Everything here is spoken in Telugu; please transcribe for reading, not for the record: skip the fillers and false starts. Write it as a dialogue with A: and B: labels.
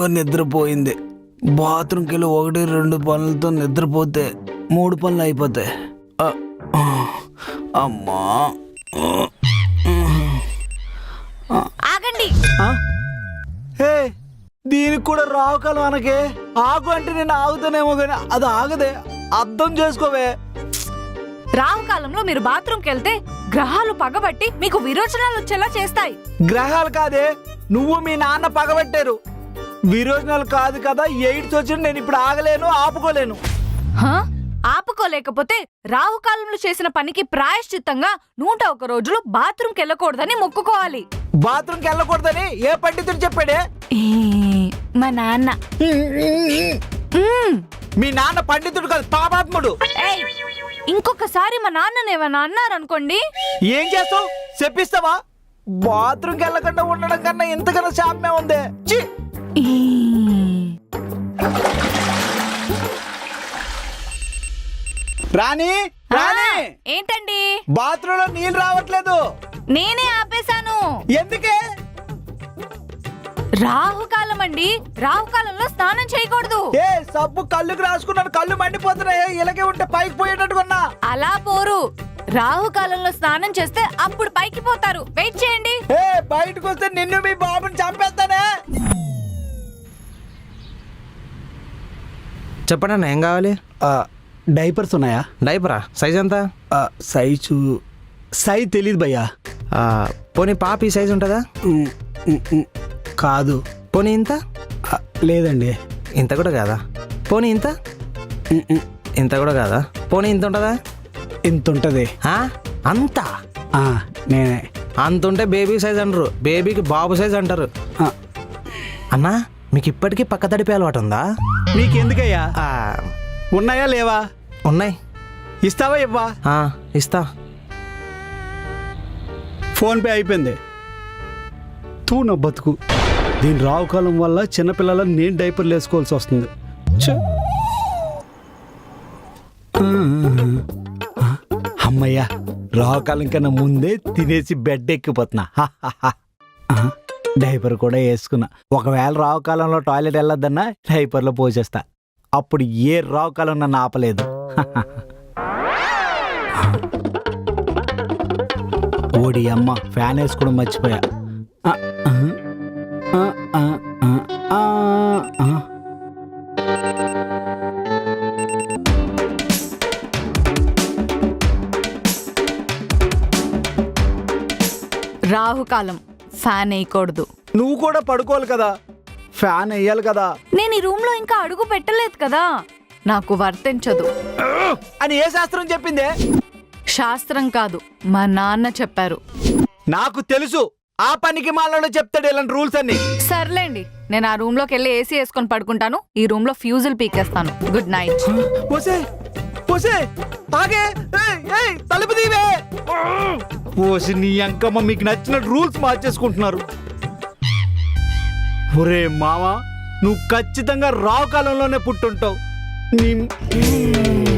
A: బాగా నిద్రపోయింది. బాత్రూమ్కి వెళ్ళి 1-2 పనులతో నిద్రపోతే 3 పనులు అయిపోతాయి. అమ్మా
B: ఆగండి.
A: హే, దీనికి కూడా రావుకాలం అనకే. ఆగు అంటే నేను ఆగుతానేమో కానీ అది ఆగదే. అర్థం చేసుకోవే.
B: రాహుకాలంలో మీరు బాత్రూమ్కి వెళ్తే గ్రహాలు పగబట్టి మీకు విరోచనాలు వచ్చేలా చేస్తాయి.
A: గ్రహాలు కాదే, నువ్వు మీ నాన్న పగబట్టారు. విరోచనాలు కాదు కదా, ఎయిడ్స్ వచ్చి నేను ఇప్పుడు ఆగలేను, ఆపుకోలేను.
B: ఆపుకోలేకపోతే రాహుకాలంలో చేసిన పనికి ప్రాయశ్చిత్తంగా 101 రోజులు బాత్రూమ్కి వెళ్ళకూడదని మొక్కుకోవాలి.
A: బాత్రూమ్కి వెళ్ళకూడదని ఏ పండితుడు చెప్పాడే?
B: మా నాన్న.
A: మీ నాన్న పండితుడు కాదు, పాపాత్ముడు.
B: ఇంకొకసారి మా నాన్ననేమన్నా అన్నారనుకోండి,
A: ఏం చేస్తావు? చెప్పిస్తావా? బాత్రూమ్కి వెళ్ళకుండా ఉండడం కన్నా ఇంతకన్నా శాపమే ఉంది. రాణి, రాణి,
B: ఏంటండి?
A: బాత్రూమ్ లో నీళ్ళు రావట్లేదు.
B: నేనే ఆపేశాను.
A: ఎందుకే?
B: రాహుకాలం అండి, రాహుకాలంలో స్నానం చేయకూడదు.
A: ఏ సబ్బు కళ్ళుకి రాసుకున్నాను, కళ్ళు మండిపోతున్నాయి. ఇలాగే ఉంటే పైకి పోయేటట్టుకున్నా.
B: అలా పోరు. రాహుకాలంలో స్నానం చేస్తే అప్పుడు పైకి పోతారు. వెయిట్ చేయండి.
A: ఏ బయటకు వస్తే నిన్ను మీ బాబుని చంపేస్తానే.
C: చెప్పండి అన్న, ఏం కావాలి?
A: డైపర్స్ ఉన్నాయా?
C: డైపరా? సైజ్ ఎంత?
A: సైజ్ తెలీదు భయ్యా.
C: పోనీ పాపి సైజ్ ఉంటుందా?
A: కాదు.
C: పోనీ ఇంత?
A: లేదండి.
C: ఇంత కూడా కాదా? పోనీ ఇంత? ఇంత కూడా కాదా? పోనీ ఇంత ఉంటుందా?
A: ఇంత ఉంటుంది.
C: అంత?
A: నేనే.
C: అంత ఉంటే బేబీ సైజ్ అంటారు, బేబీకి బాబు సైజ్ అంటారు. అన్నా, మీకు ఇప్పటికీ పక్క తడిపే అలవాటు ఉందా?
A: నీకెందుకయ్యా? ఉన్నాయా లేవా?
C: ఉన్నాయి.
A: ఇస్తావా? ఇవ్వా?
C: ఇస్తా.
A: ఫోన్పే అయిపోయింది. తూ నా బతుకు. దీని రావుకాలం వల్ల చిన్నపిల్లలను నేను డైపర్లు వేసుకోవాల్సి వస్తుంది. అమ్మయ్యా, రావుకాలం కన్నా ముందే తినేసి బెడ్ ఎక్కిపోతున్నా. డైపర్ కూడా వేసుకున్నా. ఒకవేళ రావుకాలంలో టాయిలెట్ వెళ్ళొద్దన్నా డైపర్లో పోసేస్తా. అప్పుడు ఏ రావుకాలం నన్ను ఆపలేదు. ఓడి అమ్మ, ఫ్యాన్ వేసుకోవడం మర్చిపోయా.
B: రాహుకాలం, ఫ్యాన్ వేయకూడదు.
A: నువ్వు కూడా పడుకోవాలి కదా, ఫ్యాన్ వేయాలి కదా.
B: నేను ఈ రూమ్ లో ఇంకా అడుగు పెట్టలేదు కదా, నాకు వర్తించదు
A: అని ఏ శాస్త్రం చెప్పిందే?
B: శాస్త్రం కాదు, మా నాన్న చెప్పారు.
A: నాకు తెలుసు, ఆ పనికి మాలలో చెప్తాడు ఇలాంటి రూల్స్ అన్ని.
B: సర్లేండి, నేను ఆ రూమ్ లోకి వెళ్ళి ఏసీ వేసుకొని పడుకుంటాను. ఈ రూమ్ లో ఫ్యూజులు పీకేస్తాను. Good night.
A: తలుపు దీవే. పోసి నీ అంకమ్మ, మీకు నచ్చిన రూల్స్ మార్చేసుకుంటున్నారు. ఒరే మామ, నువ్వు ఖచ్చితంగా రావు కాలంలోనే పుట్టుంటావు.